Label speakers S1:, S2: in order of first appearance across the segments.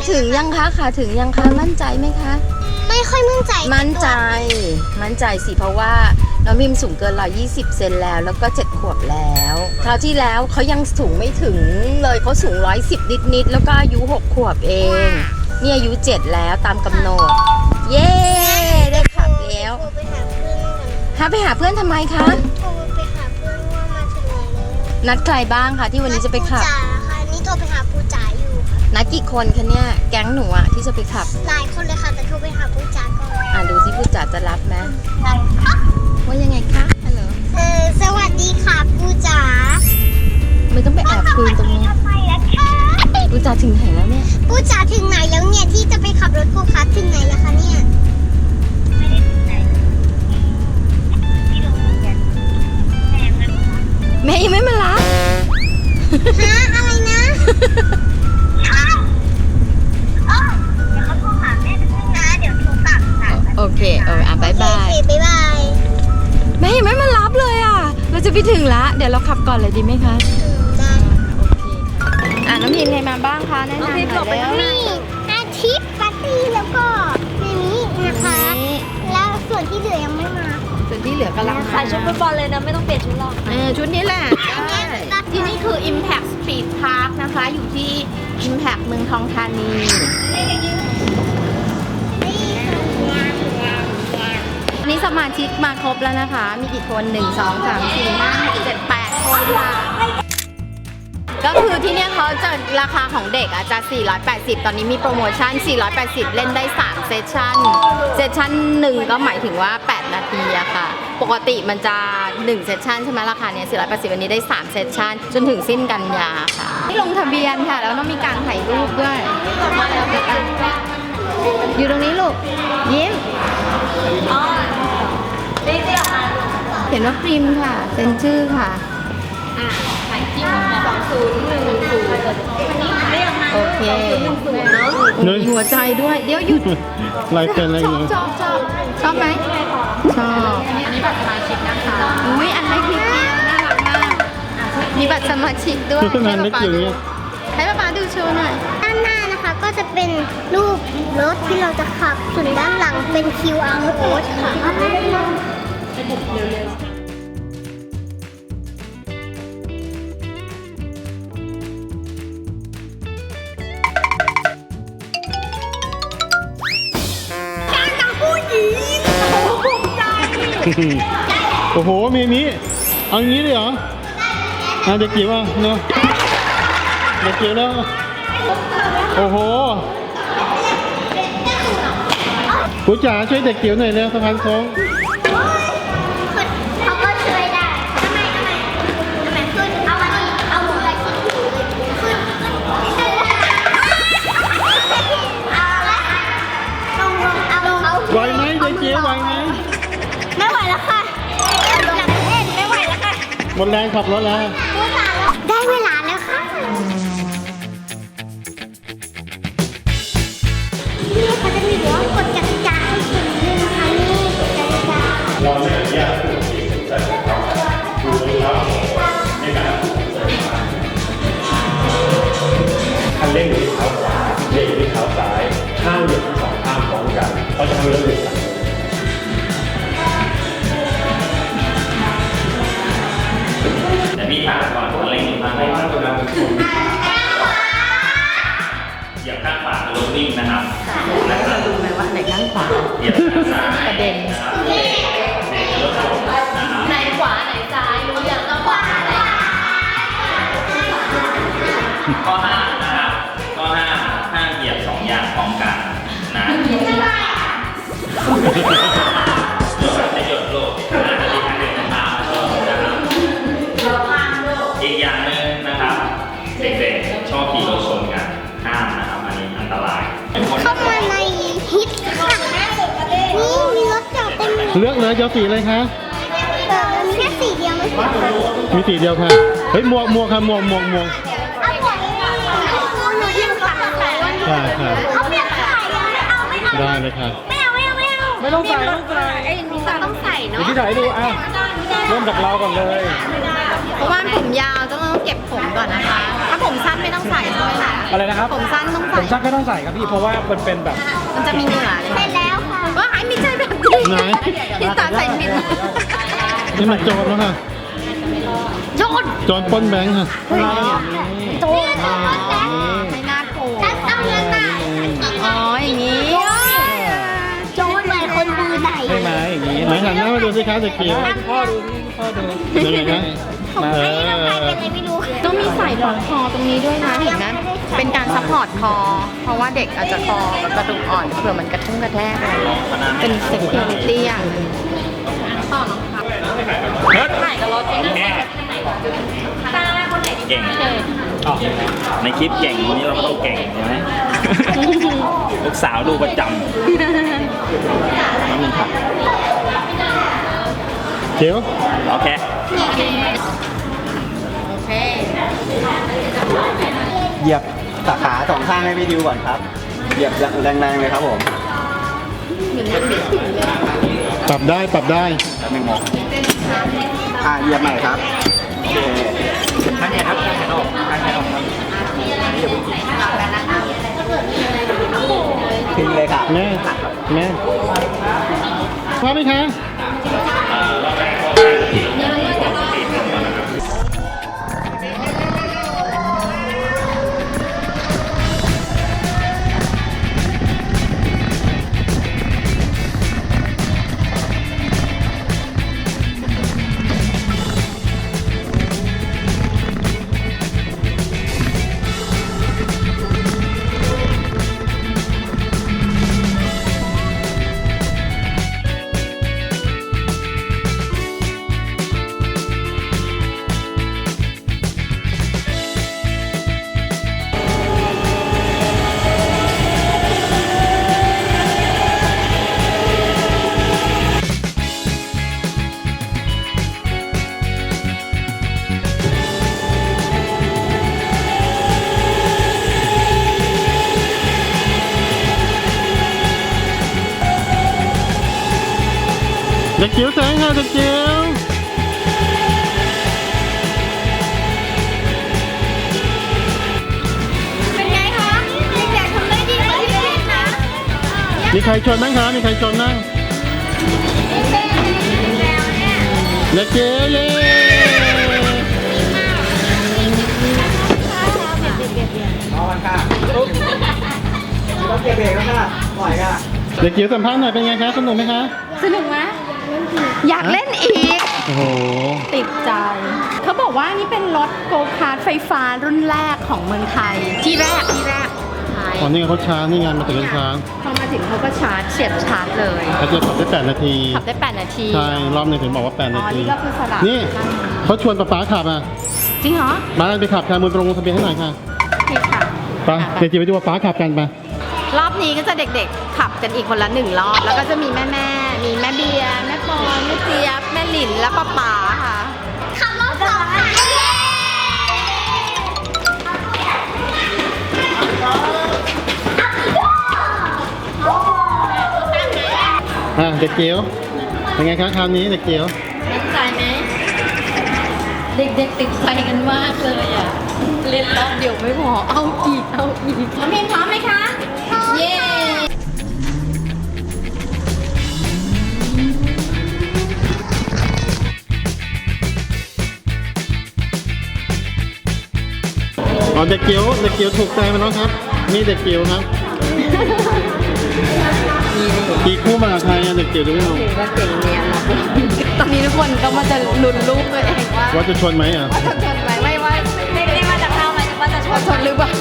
S1: ถึงยังคะขาถึงยังคะมั่นใจไหมคะ
S2: ไม่ค่อยมั่นใจ
S1: มั่นใจสิเพราะว่าน้องพิมสูงเกิน120เซนแล้วก็7 ขวบแล้วคราวที่แล้วเขายังสูงไม่ถึงเลยเขาสูง110นิดแล้วก็อายุ6 ขวบเองนี่อายุ7แล้วตามกำหนดเย้ได้ขับแล้วไปหาเพื่อนทำไมคะ
S2: โทรไปหาเพื่อนว่ามาถึงไหนแล้ว
S1: นัดใครบ้างคะที่วันนี้จะไปขับ
S2: จ๋าค่ะนี่โทรไปหาปูจ๋าอยู่ค่ะ
S1: นัดกี่คนคะเนี่ยแก๊งหนูอะที่จะไปขับ
S2: หลายคนเลยค่ะแต่โทรไปหาปูจ๋าก่อน
S1: ดูสิปูจ๋าจะรับไหมว่ายังไงคะฮัลโหล
S2: สวัสดีค่ะปูจ๋า
S1: ไม่ต้องไปแอบคุยตรงนี้ปูจ๋าถึงไหนแล้วเนี่ย
S2: ปูจ๋าถึงไหนแล้วเนี่ยที่จะไปขับรถโกคาร์ทถึงไหนแล้วคะเนี่ยไม่ได้ถึงไหนที่โรงเรียน
S1: แม่ยังไม่มารับ
S2: ฮะอะไรนะเดี๋ยวเขาโทรหาแม่ไปพึ่งนะเดี๋ยวโทรกลับค่ะ
S1: โอเคบายบายแม่ยังไม่มารับเลยอ่ะเราจะไปถึงละเดี๋ยวเราขับก่อนเลยดีไหมคะ
S2: ได้
S1: โอเคค่ะน้องพิมใครมาบ้างคะแนะนำหน่อยแล้ว
S2: มีอาทิตย์ปาร์ตี้แล้วก็ในนี้นะคะแล้วส่วนที่เหลือยังไม่มา
S1: ส่วนที่เหลือกำลัง
S3: ใส่ชุดฟุตบอลเลยนะไม่ต้องเปลี่ยนชุดหรอก
S1: ชุดนี้แหละที่นี่คือ Impact Speed Park นะคะอยู่ที่ Impact เมืองทองธานีนี่สมาชิกมาครบแล้วนะคะมีกี่คน1 2 3 4 5 6 7 8 คนค่ะก็คือที่เนี่ยเขาจะราคาของเด็กจะ480ตอนนี้มีโปรโมชั่น480เล่นได้3เซสชั่น1ก็หมายถึงว่า8นาทีอะค่ะปกติมันจะ1เซสชั่นใช่ไหมราคาเนี้ย480วันนี้ได้3เซสชั่นจนถึงสิ้นกันยาค่ะที่ลงทะเบียนค่ะแล้วต้องมีการถ่ายรูปด้วยอยู่ตรงนี้ลูกยิ้มเขียนว่าพริมค่ะเซ็นชื่อค่ะโอเคมีหัวใจด้วยเดี๋ยวหยุด
S4: ลายเซ็นอะไรอย่างเงี้ย
S1: ชอบไหมชอบอันนี้บัตรสมาชิกนะคะอุ้ยอันนี้พี่เกียวน่ารักมากมีบัตรสมาชิกด้วยให้ป้าดูโชว์หน่อย
S2: ด้านหน้านะคะก็จะเป็นรูปรถที่เราจะขับส่วนด้านหลังเป็น QR code ค่ะ
S4: โอ้โหมีนี้เอางี้เลยเหรอเด็กจิ๋วเนาะเด็กจิ๋วแล้วโอ้โหผู้จ๋าช่วยเด็กจิ๋วหน่อยเร็วสะพานโค้ง
S2: เขาก็ช่วยได้ทำไมขึ้นเอามาดิเอามืออะไรขึ้นขึ้น
S4: ไหวไหมเด็กจิ๋วไหวไหม
S2: ไม่ไหวแล้วค่ะหลังเล่นไม่ไหวแล้วค่ะ
S4: หมดแรงขับรถแล้ว
S2: ได้เวลาแล้วค่ะนี่เขาจะมีหัวกฎกติกาให้คุณด้วยนะคะนี่กฎกติกาเราไม่อนุญาตให้ผู้ที่ถูกจัดการดูแลในการ
S5: คันเร่งอยู่ที่เท้าขวาเบรกอยู่ที่เท้าซ้ายข้างเหยียบทั้ง2ข้างพร้อมกันเพราะฉะนั้นเราหยุดกัน
S6: แต่พี่ถามก่อนคันเร่งอยู่ข้างไหนเหยียบข้างขวาคือรถวิ่งนะครับ
S1: ดูไหมว่าไหนข้างขวา
S6: เหยียบข้างซ้าย
S1: ประเด็น
S6: เบรกรถผมนะครับ
S3: ไหนขวาไหนซ้ายรู้ยังต้องขวาไหน
S6: ข้อ5นะครับข้อ5ห้ามเหยียบ2อย่างพร้อมกันนะจะหยุดโลกจะมีทางเดินตามนะครับอีกอย่างหนึ่งนะครับเด็กๆชอบขี่รถชนกันห้ามนะครับอันนี้อันตราย
S2: เข้ามาในฮิตค่ะนี่มีรถจอดเต็มเลย
S4: เลือกเลยจะสีอะไรคะ
S2: มีแค่สีเดียวไม่ใช่
S4: มีสีเดียวค่ะเฮ้ยหมวกค่ะหมวก
S2: เอาหมวกหนูยังสั่งเลย
S4: ใช่
S2: เขาเปลี่ยนขายยังไม่เอา
S4: ได้เลยค่ะ
S2: ไม่เอา
S4: ไม่ต้องใส่ต้องใส่
S1: ต้องใส่
S4: เดี๋ยว
S1: เนาะ
S4: พี่ถ่ายให้ดูอ่ะเริ่มจากเราก่อนเลย
S1: เพราะว่าผมยาวต้องเก็บผมก่อนนะคะ ถ้าผมสั้นไม่ต้องใส่ใช่ไหมคะ
S4: อะไรนะครับ
S1: ผมสั้นต้อง
S4: ผ
S1: ใส่
S4: มชักก็ต้องใส่ครับพี่เพราะว่ามันเป็นแบบ
S1: มันจะมีเหงื่อเลย
S2: เสร็จแล้วค่ะ
S1: ว่าไอ้ไม่ใช่แบบนี้
S4: ไหน
S1: ที่ตาใส่ผิด
S4: นี่มันโจรแล้วค่ะ
S1: โจน
S4: โจรปล้นแบงค์ค่ะ
S1: โจนไม่น่ากลัว
S2: ต้องเงินมา
S1: อ๋ออย่างนี้
S2: โจรเหมือนคนมือไหน
S4: ใช่ไหมอย่างนี้ไหนหันหน้ามาดูสิคะเด็กเกียว
S3: พ่อดูพ่อดู
S4: ยังไงคะมา
S2: ไม่ต้องใครเป็นอะไรไม่รู้
S1: ต้องมีใส่ปลอกคอตรงนี้ด้วยนะเห็นไหมเป็นการซัพพอร์ตคอ เพราะว่าเด็กอาจจะคอกับกระดูกอ่อนเผื่อมันกระทุ่งกระแทกอะไรเป็นเซฟตี้อย่างหนึ่งต่อน้องครับ
S3: ถ่ายกับรถเอง
S6: แม่
S3: ตาคนไหน
S6: เก่งในคลิปเก่งวันนี้เราก็ต้องเก่งใช่ไหม ลูกสาวดูประจำน้ำมันผัก
S4: เกียว
S6: โอเค
S1: โอเค
S7: เหยียบสาขาสองข้างให้พี่ดิวก่อนครับ เหยียบแรงๆเลยครับผม
S4: ปรับได้ปรับได้
S7: แป๊บนึงมองเหยียบใหม่ครับโอเคข้างไหนครับข้างไหนออกข้างไหนออกครับทิ้งเลยครับ
S4: แม่แม่พร้อมไหมคะ เด็กเกียวแสงค่ะเด็กเกียว
S2: เป็นไงคะเด็กๆทำได้ดีกว่าที่คิดนะ
S4: มีใครชนบ้างคะมีใครชนบ้างเด็กเกียวเย้
S7: เอามันค่ะตุ๊บต้องเก็บเบรกแล้วค่ะปล่อยค่ะ
S4: เด็กเกียวสัมภาษณ์หน่อยเป็นไงคะสนุกไหมคะ
S1: สนุกไหมอยากเล่นอีก
S4: โอ้โห
S1: ติดใจ เขาบอกว่านี่เป็นรถโกคาร์ทไฟฟ้ารุ่นแรกของเมืองไทย ที่แรกใช่
S4: ตอนนี้เขาช้านี่งานมาถึงช้า
S1: พอมาถึงเขาก็ชาร์จเสียบชาร์จเลย
S4: เขาจะขับได้8 นาที
S1: ขับได้ 8 นาที
S4: ใช่ รอบหนึงถึงบอกว่า 8
S1: อ๋
S4: นา
S1: อ
S4: ที
S1: นี่ก็คือสลับ
S4: นี่เขาชวนป๊าขับอ่ะ
S1: จริงเหรอ
S4: มาไปขับค่ะมือตรงลงทะเบียนให้หน่อยค่ะ
S1: โอเคค่ะ
S4: ไปเดี๋ยวจีไปดูว่าป๊าขับกันไป
S1: รอบนี้ก็จะเด็กๆ ขับกันอีกคนละ1 รอบ แล้วก็จะมีแม่ๆ มีแม่เบียร์ แม่ปอนแม่เจี๊ยบ แม่หลิน และป๊าค่ะ
S2: ขับรถสองค่ะเย้
S4: เด็กเกียวเป็นไงคะคราวนี้เด็กเกียว
S3: มั่นใจไหมเด็กๆติดใจกันมากเลยอ่ะ
S1: เล่นรอบเดียวไม่พอ เอาอีก เอาอีก
S3: น้องพิมพร้อมไหมคะ เย้
S4: อ๋อเด็กเกียวถูกใจมาแล้วครับ นี่เด็กเกียวครับตีคู่มากับใครอะเด็กเกียวดูไม่เอา
S1: ถือว่าเก่งเนียนนะตอนนี้ทุกคนก็มาจะลุ้นลูกตัวเองว่า
S4: ว่าจะชนไหมอ่ะ
S1: ว่าจะชนไหมไม่ว่า
S3: ไม่ได้มาจากเราหมายถึงว่าจะช
S1: ว่า
S3: วน
S1: ชนหรือเปล่า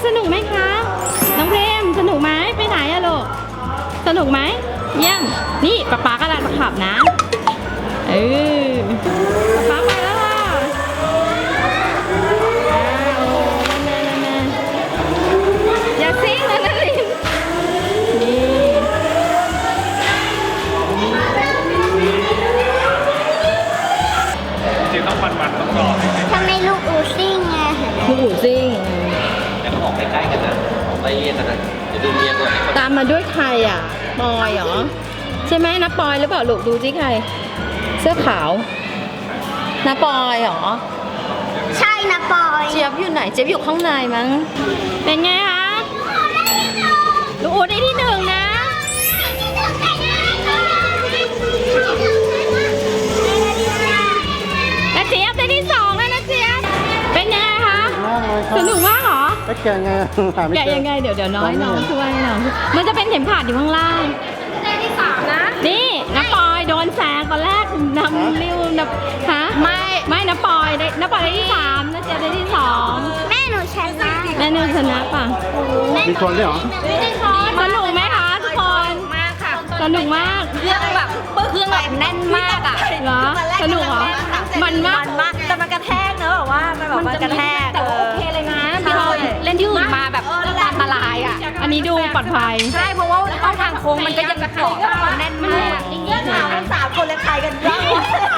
S1: สนุกไหมคะ น้องเพรมสนุกไหมไปไหนอะลูก สนุกไหมเยี่ยม นี่ป๊ากำลังจะขับนะป๊าไปแล้วล่ะอย่าซิ่งนะนารินนี่
S5: จริงๆต้องมันต้องรอให้
S2: ทำไมลูกอูซิ่งไง
S1: ลูกอู่ซิ่ง
S7: แล้วก็ออกใกล้ๆกันนะออกไปเรียนกันนะเดี๋ยวดูเมียก่อน
S1: ตามมาด้วยใครอ่ะปอยเหรอ ใช่ไหมน้าปอยหรือเปล่าลูกดูสิใคร เสื้อขาวน้าปอยเหรอ
S2: ใช่นะปอย
S1: เจี๊ยบอยู่ไหนเจี๊ยบอยู่ข้างในมั้ง เป็นไงคะลูกอู๋ได้ที่หนึ่งนะและเจี๊ยบได้ที่สองแล้วนะเจี๊ยบเป็นยังไงคะ
S4: มากเลยครับ
S1: สนุกมากเหรอ
S4: แล้วแกะไงหาไม่
S1: แกะ
S4: เจอ
S1: ยังไงเดี๋ยวน้อยน้องช่วยน้องมันจะเป็นเข็มขัดอยู่ข้างล่าง
S2: ได้ที่สามนะ
S1: นี่น้าปอยโดนแซงตอนแรกนำริ้วนะฮะไม่น้าปอยได้ที่สามน้าเจี๊ยบได้ที่สอง
S2: แม่หนูชนะ
S1: แม่นิวชนะป่ะ
S4: มีชนด้วยเหรอ
S2: ไม่ได้ช้อน
S1: สนุกไหมคะทุกคนมากค่ะสนุกมากเครื่องแบบแน่นมากอ่ะเหรอสนุกเหรอมันมาก
S3: แต่มันกระแทกเนอะแบบว่ามันแบบมันกระแทก
S1: แต่ว่าโอเคเลยนะพี่เราเล่นที่อื่นมาแบบอันตรายอ่ะอันนี้ดูปลอดภัย
S3: ใช่เพราะว่าเข้าทางโค้งมันก็ยังเกาะแน่นมาก
S1: จริงๆ
S3: 3 คนเลยใครกันบ้าง